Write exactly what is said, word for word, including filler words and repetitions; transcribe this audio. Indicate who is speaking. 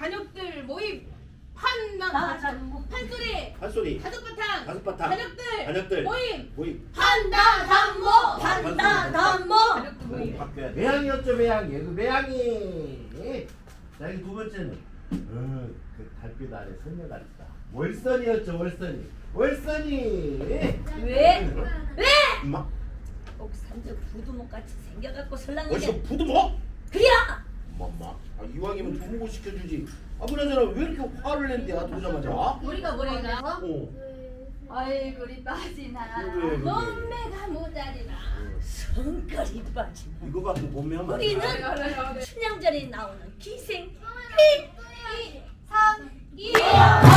Speaker 1: 가족들 모임 판나 판소리
Speaker 2: 판소리
Speaker 1: 다섯바탕
Speaker 2: 다섯바탕
Speaker 1: 가족들
Speaker 2: 가족들
Speaker 1: 모임
Speaker 2: 모임
Speaker 1: 판다담모
Speaker 3: 판다담모.
Speaker 1: 가족들
Speaker 2: 어,
Speaker 1: 모임
Speaker 2: 바뀌어야 돼. 매양이었죠 매양이 그 매양이. 자 이 두 번째는 어, 그 달빛 아래 소녀가 있다. 월선이었죠 월선이 월선이.
Speaker 3: 왜? 왜?
Speaker 2: 엄마
Speaker 3: 옥산저 부두목같이 생겨갖고 설랑이게.
Speaker 2: 어디서 부두먹?
Speaker 3: 그야.
Speaker 2: 엄마 아, 이왕이면 두부고 시켜주지. 아 그나저나 왜 이렇게 화를 낸대 아 보자마자. 어?
Speaker 1: 우리가 뭐래나
Speaker 4: 얼굴이 빠지나
Speaker 2: 그래, 그래.
Speaker 1: 몸매가 모자리나
Speaker 3: 성깔이 빠지네.
Speaker 2: 이거 갖고 보면
Speaker 3: 우리는
Speaker 1: 그래, 그래.
Speaker 3: 춘향전에 나오는 기생
Speaker 4: 삼 이